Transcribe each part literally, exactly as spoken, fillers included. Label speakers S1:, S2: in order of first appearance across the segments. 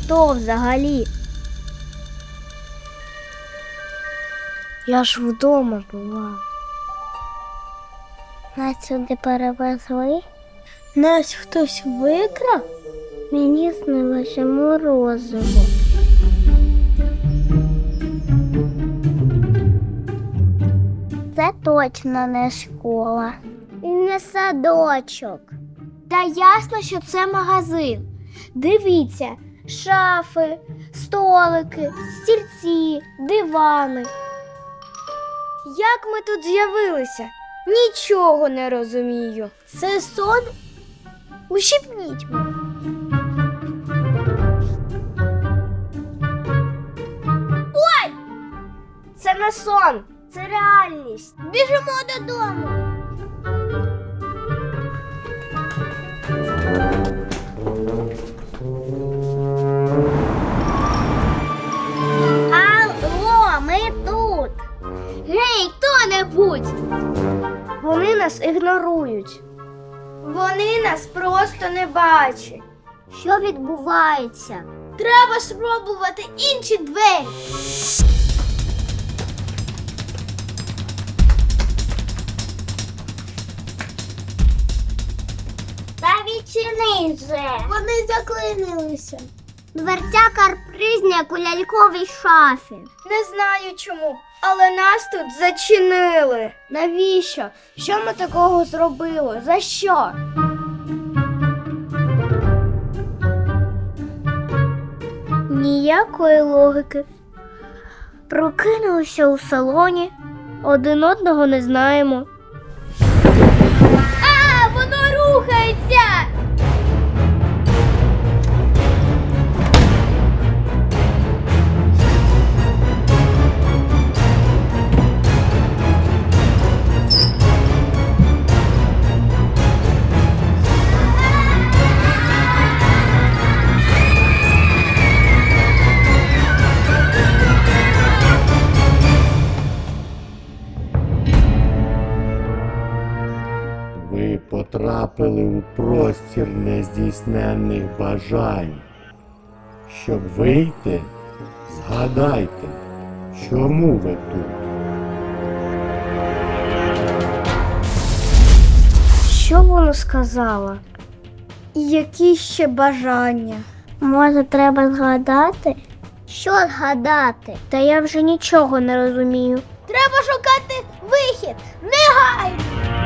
S1: хто взагалі? Я ж вдома була.
S2: Нас сюди перевезли.
S1: Нас хтось викрав?
S2: Мені снилося морозиво. Це точно не школа. І не садочок.
S1: Та ясно, що це магазин. Дивіться, шафи, столики, стільці, дивани. Як ми тут з'явилися? Нічого не розумію. Це сон? Ущипніть мене. Ой! Це не сон, це реальність.
S2: Біжимо додому. Алло, ми тут.
S1: Гей, хто-небудь! Вони нас ігнорують. Вони нас просто не бачать.
S2: Що відбувається?
S1: Треба спробувати інші двері.
S2: Та відчини же.
S1: Вони заклинилися.
S2: Дверця карпризні, як у ляльковій шафі.
S1: Не знаю чому, але нас тут зачинили. Навіщо? Що ми такого зробили? За що? Ніякої логіки. Прокинулися у салоні, один одного не знаємо. А, воно рухається!
S3: Ви потрапили у простір нездійсненних бажань. Щоб вийти, згадайте, чому ви тут.
S1: Що воно сказало? І які ще бажання?
S2: Може, треба згадати? Що згадати?
S1: Та я вже нічого не розумію. Треба шукати вихід! Негайно!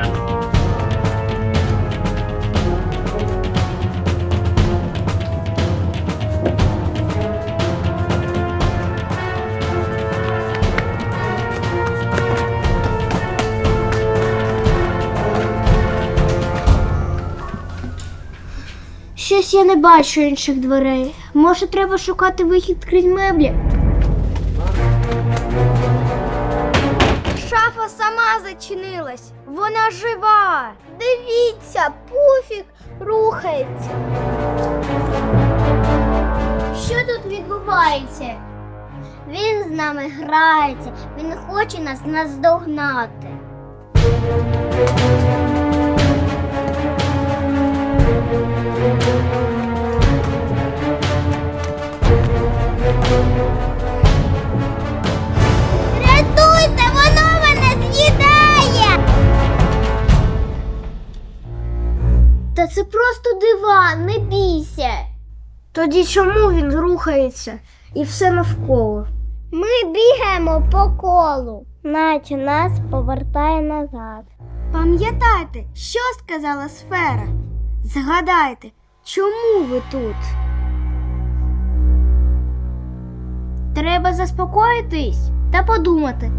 S1: Щось я не бачу інших дверей. Може, треба шукати вихід крізь меблі? Шафа сама зачинилась. Вона жива. Дивіться, пуфік рухається.
S2: Що тут відбувається? Він з нами грається, він хоче нас наздогнати. Рятуйте, воно мене з'їдає!
S1: Та це просто диван, не бійся. Тоді чому він рухається і все навколо?
S2: Ми бігаємо по колу, наче нас повертає назад.
S1: Пам'ятайте, що сказала сфера? Згадайте, чому ви тут? Треба заспокоїтись та подумати.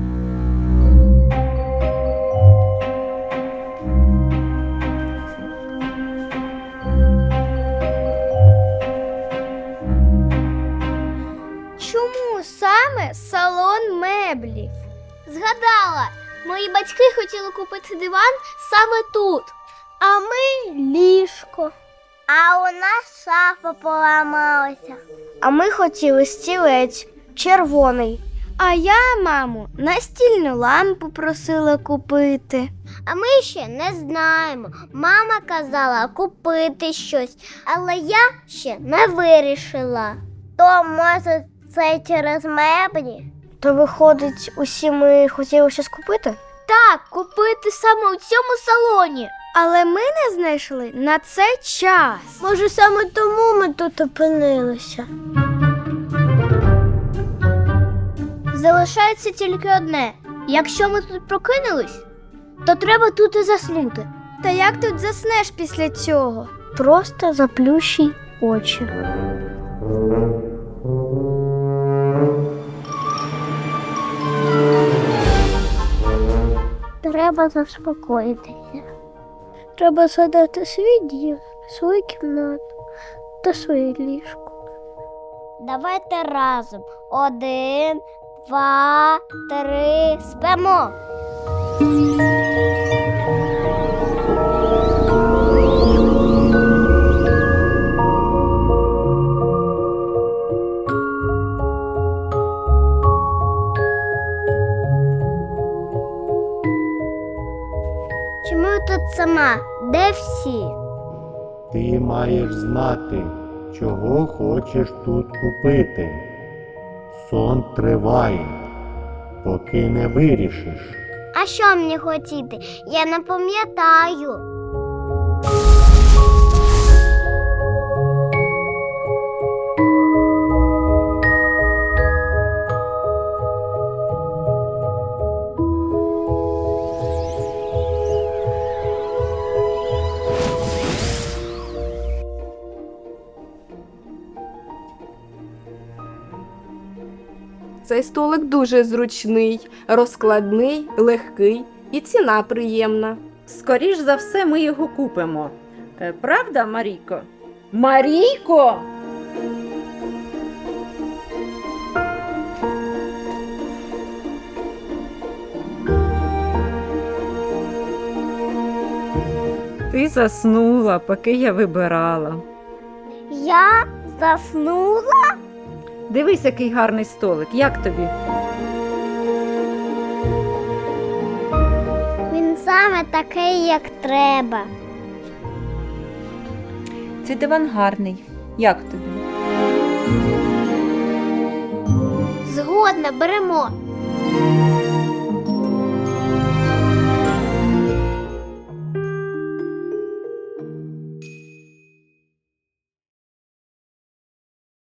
S1: Чому саме салон меблів? Згадала, мої батьки хотіли купити диван саме тут, а ми ліжко.
S2: А у нас шафа поламалася.
S1: А ми хотіли стілець червоний. А я, маму, настільну лампу просила купити.
S2: А ми ще не знаємо. Мама казала купити щось, але я ще не вирішила. То, може, це через меблі?
S1: То виходить, усі ми хотіли щось купити?
S2: Так, купити саме у цьому салоні.
S1: Але ми не знайшли на це час. Може, саме тому ми тут опинилися.
S2: Залишається тільки одне. Якщо ми тут прокинулись, то треба тут і заснути.
S1: Та як тут заснеш після цього? Просто заплющуй очі.
S2: Треба заспокоїтися.
S1: Треба згадати свій дім, свою кімнату та своє ліжко.
S2: Давайте разом. Один, два, три, спимо. Чому я тут сама? Де всі?
S3: Ти маєш знати, чого хочеш тут купити. Сон триває, поки не вирішиш.
S2: А що мені хотіти? Я не пам'ятаю.
S4: Цей столик дуже зручний, розкладний, легкий і ціна приємна.
S5: Скоріш за все, ми його купимо. Е, Правда, Марійко? Марійко! Ти заснула, поки я вибирала.
S2: Я заснула?
S5: Дивись, який гарний столик. Як тобі?
S2: Він саме такий, як треба.
S5: Цей диван гарний. Як тобі?
S2: Згодна, беремо.